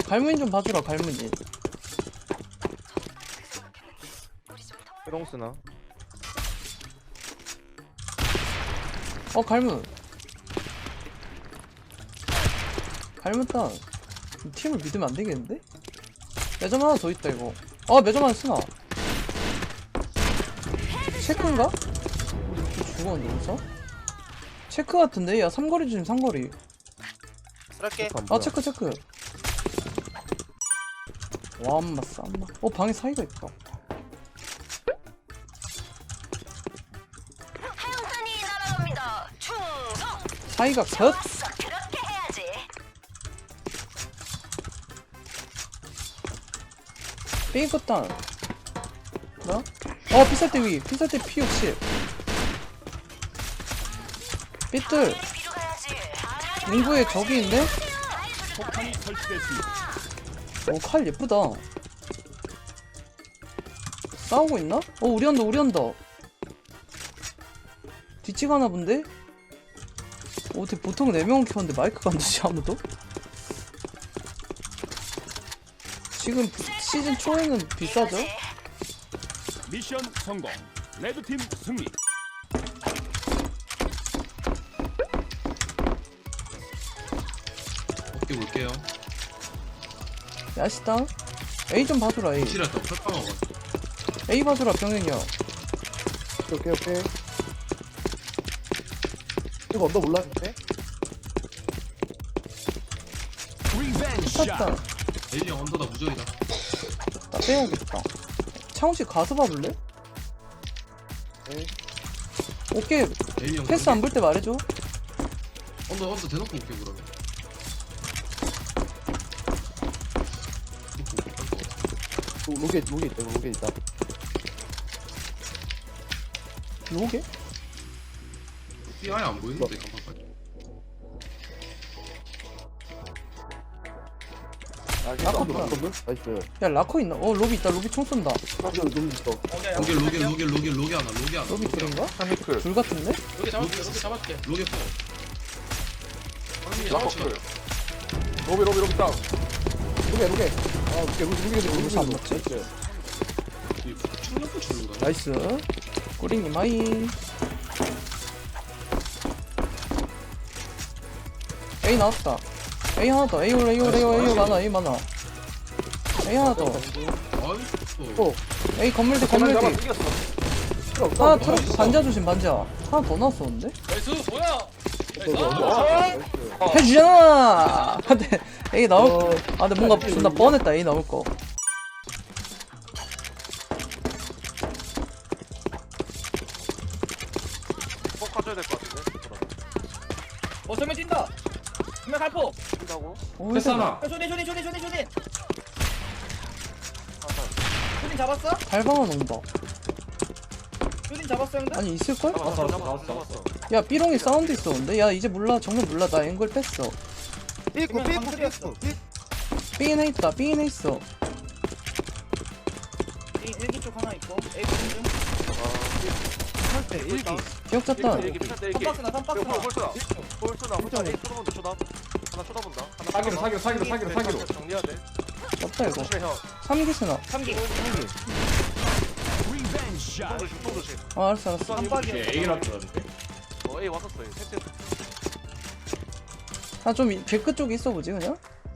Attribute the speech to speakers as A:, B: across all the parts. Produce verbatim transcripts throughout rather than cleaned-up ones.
A: 갈무늬 좀 봐주라. 갈무늬.
B: 해동 쓰나?
A: 어 갈무. 갈무 땅. 팀을 믿으면 안 되겠는데? 매점 하나 더 있다 이거. 아 매점 하나 쓰나? 체크인가? 우리 또 죽었는데 어디서? 체크 같은데? 야 삼거리 주심 삼거리.
C: 쓸게.
A: 아 체크 체크. 와 엄마 쌈마. 어 방에 사이가 있다.
D: 하영탄이 날아갑니다. 충성.
A: 사이가 컷.
D: 좋았어. 그렇게 해야지.
A: 삐끗 땅. 뭐야? 어 피살대 위. 피살대 피 육십. 삐뚤.
D: 뒤로 가야지.
A: 인구에 적이 있네?
E: 폭탄이 설치됐습니다.
A: 오 칼 예쁘다. 싸우고 있나? 어 우리 언더 우리 언더. 뒤치가나 본데? 어, 어떻게 보통 네 명 켰는데 마이크가 안 되지 아무도? 지금 부- 시즌 초에는 비싸죠?
E: 미션 성공. 레드팀 승리.
F: 어깨 볼게요.
A: 야시다. A 좀 봐주라 A.
F: 실했다. 철빵하고.
A: A 봐주라 병현이야.
B: 오케이 오케이. 이거 언더 올라갔네?
E: 리벤지
A: 탔다.
E: 샷.
F: 에일리 언더다 무적이다.
A: 나 빼야겠다. 창훈씨 가서 봐볼래?
B: 네.
A: 오케이
F: 에일리 형.
A: 패스 안 볼 때 말해줘.
F: 언더 언더 대놓고 올게 그러면.
B: 로- 로게 로게 있다 이거 로게 있다.
A: 요게?
F: 삐 아예 안 보이는데 깜빡까지.
B: 아
A: 아깝다.
B: 깜깜 나이스.
A: 야 라커 있나? 어 로비 있다. 로비 총 쏜다.
B: 사실 로게 있어.
F: 로게 로게 로게 로게 로게 하나 로게 하나.
A: 로비 둘인가?
B: 한미클.
A: 둘 같은데?
F: 로게 잡았게 로게 잡았게. 로게 포.
B: 라커 클. 로게 로게 로게 땅. 로게 로게. 아 로게 로게 로게 로게
A: 여기서 안 맞지?
B: 나이스.
F: 충격포 줄는다.
A: 나이스. 꼬링님 하이. A 나왔다. A 하나 더. A 올 A 올 A 올 A 올 많아. A 많아. A 하나 더.
F: 아이고.
B: 어.
A: A 건물대
B: 건물 잡아
A: 건물대.
B: 이겼어.
A: 하나 트럭 반자 조심 반자. 하나 더 나왔었는데?
F: 나이스 뭐야?
B: 나이스.
A: 해주잖아. 근데 A 나올. 아 근데 뭔가 존나 뻔했다. A 나올 거.
C: 꼭 가져야 될 것 같은데.
G: 어 정면 뛴다. 정면 갈포.
C: 뛴다고?
A: 오,
F: 패스 하나.
G: 야, 쇼딘 쇼딘 쇼딘 쇼딘 쇼딘. 쇼딘 잡았어?
A: 달방은 온다.
G: 쇼딘 잡았어 형들?
A: 아니 있을걸?
C: 잡았어 잡았어 잡았어.
A: 야 삐롱이 사운드 있었는데? 야 이제 몰라. 정말 몰라. 나 앵글 뺐어.
C: 삐꾸
G: 그러면
C: 삐꾸
G: 방풀이었어.
C: 삐꾸.
A: B인에 있다. B인에 있어.
G: 이 일기 쪽 하나 있고. A 중.
C: 때 일기.
A: 기억 잤다.
C: 일기 일기 일기.
G: 선박스나 선박스나.
C: 홀스나 홀스나 홀스나. 에이 쳐다본다 쳐다. 하나 쳐다본다. 하나
B: 사기로 사기로 사기로 사기로 사기로.
C: 정리해야 돼.
A: 없다 이거.
C: 조심해 형.
A: 삼기스나.
G: 삼기.
E: 리벤지 샷.
C: 통 조심 통 조심.
A: 아 알았어 알았어.
G: 깜빡이야.
C: 어 에이 왔었어. 에이 텐트.
A: 아좀 개끝 쪽에 있어 보지 그냥?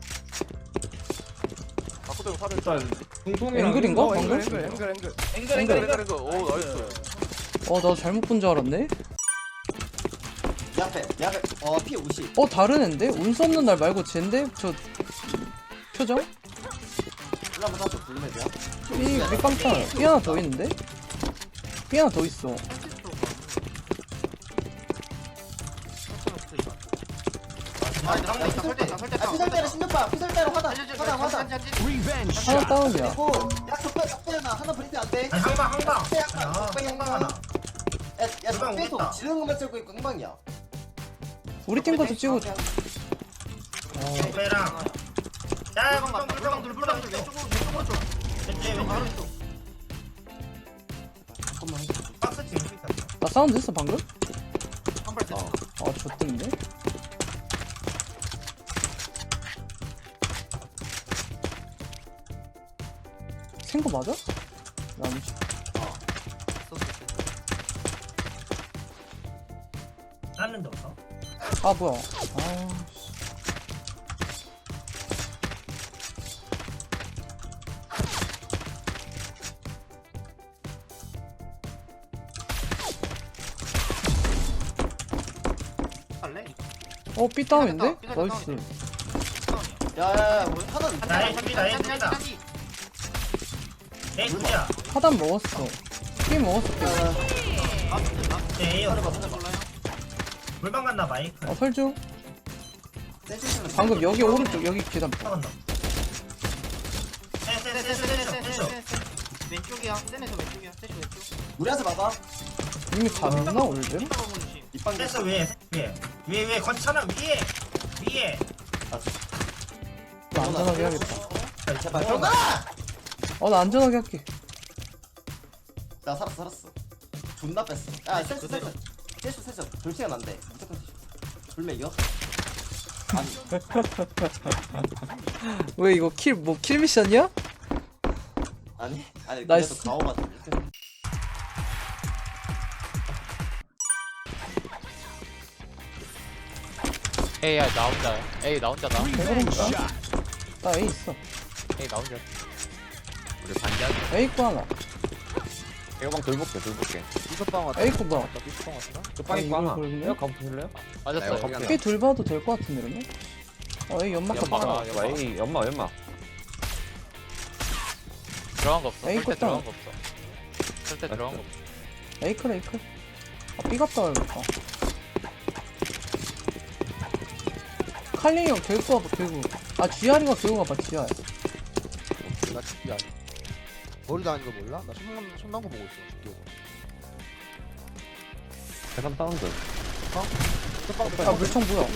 C: 바꾸도 형 살을.
B: 일단
A: 앵글인가?
C: 어,
A: 방금?
C: 앵글 앵글 앵글.
G: 앵글
C: 앵글
G: 앵글
C: 앵글
G: 앵글.
C: 앵글. 오 나이스.
A: 어 나 잘못 본 줄 알았네.
H: 내 앞에 내 앞에 어 피 오십
A: 어 다른 앤데? 운수 없는 날 말고 쟤인데? 저 표정?
H: 일로 한번 사줘 블루맵이야
A: 삐 삐빵빵. 삐 하나 더 있는데? 삐 하나 더 있어.
H: 아 피설대로 십육방 피설대로 화단 화단 화단
E: 리벤지
A: 하나
E: 샷.
A: 다운이야.
H: 그리고 야 적배 적배 하나 하나 브리트 안돼 항방 항방 적배 약간 적배 항방 하나 야야 적배에서 지르는 것만 찍고 있고 항방이야
A: 우리 팀 것도 찍어줘.
H: 적배랑 야 물방 물방 물방 왼쪽으로 왼쪽으로 줘 왼쪽 바로 왼쪽 잠깐만 박스 지금 있다
A: 나 사운드 했어 방금?
H: 한발 됐어
A: 아 좋던데? 탱커 맞아? 나 아니지.
H: 다른 데 없어?
A: 아 뭐야? 아
C: 할래?
A: 어, 삐 다운인데?
C: 삐 다운, 삐
A: 나이스.
H: 야야야 뭐 하나
G: 나 A 둘이다 A 둘이다 A 둘이야
A: 하단 먹었어. 삐 먹었어, 삐.
G: 네 A요
H: 하나 봐
G: 물방 갔나 마이크
A: 아, 설중.
H: 센스는
A: 방금 여기 오른쪽, 여기 계단.
G: 간다 쎄쎄쎄쎄쎄쎄 왼쪽이야 쌤에서 왼쪽이야 쎄시 왼쪽
H: 우리한테 막아
A: 이미 갔나, 올드?
H: 입방
G: 쎄서 위에 위에 위에 위에 건차나 위에 위에
A: 나 안전하게 해야겠다.
H: 제발 형아
A: 어, 나 안전하게 할게.
H: 나 살았어 살았어 존나 뺐어 야 센스 센스 센스 센스 돌치가 난데 무조건 센스 불매 이겨? 아니
A: 왜 이거 킬, 뭐, 킬 미션이야?
H: 아니 아니
A: 나이스.
H: 그래도 가오가 좀
C: 에이 야 나 혼자야 에이 나 혼자다
A: 대단한가? 나 A 있어.
C: 에이 나 혼자 우리 반전
A: A 거 하나.
B: 에어방 돌볼게 돌볼게
C: 이것방 왔다
A: A 거 봐.
C: 이것방 왔다
B: 끝방에
A: 아,
B: 거 하나
A: 이거 보이네?
B: 에어 가보실래요?
C: 맞았어
A: B 둘 봐도 될 것 같은데, 이러면? 어, A 연막
C: 연막
A: 같다.
C: 아, 연막.
B: 에이 연마 연마
C: 들어간 거 없어
A: 에이,
C: 절대
A: 껐다.
C: 들어간 거 없어 절대 들어간 거 없어
A: A 클, A 클. 아, B 갔다 와야겠다. 칼링이 형 개구 와봐, 개구. 아, 지아리가 개구 가봐, 지아.
C: 나 진짜 머리도 아닌 거 몰라? 나 손난 손난 거 보고 있어 죽게
B: 계산 다운드
A: 아, 물총 뭐야?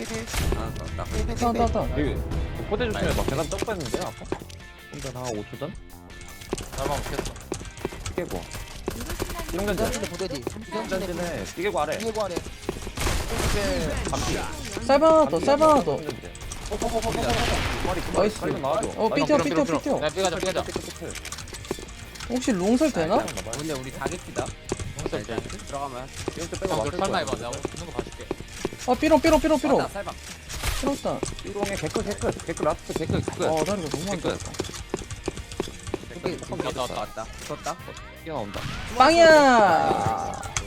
A: 따, 따, 따.
B: 여기 포대 조심해 막 계산 떡 뺐는데 아까? 일단 한 오 초 전?
C: 나만 못했어
B: 깨고 띵전진
C: 보대디
B: 띵전진에 띠개고 아래
C: 이거 아래
B: 감기
A: 쌀바 하나 더, 쌀바 하나 더. 나이스.
B: 칼좀 나와줘
A: 어, 삐 뛰어, 삐 뛰어, 삐 뛰어.
C: 야 삐가자 삐가자
A: 혹시 롱설 되나?
C: 근데 우리 다겠기다 홍살 때 들어가면
B: 띵전 빼고
C: 형
B: 맞을
C: 설마
B: 거야
C: 해봐 내가 붙는 거 봐줄게
A: 아, 삐롱, 삐롱, 삐롱, 삐롱.
C: 맞다 쌀방
A: 삐롱다.
B: 띠롱에 개끝 개끝 개끝 라스트 개끝 끝
A: 어, 다리가 너무 안
B: 끝.
A: 좋다.
C: 왔다 왔다 왔다 졌다
B: 뛰어나온다
A: 빵이야!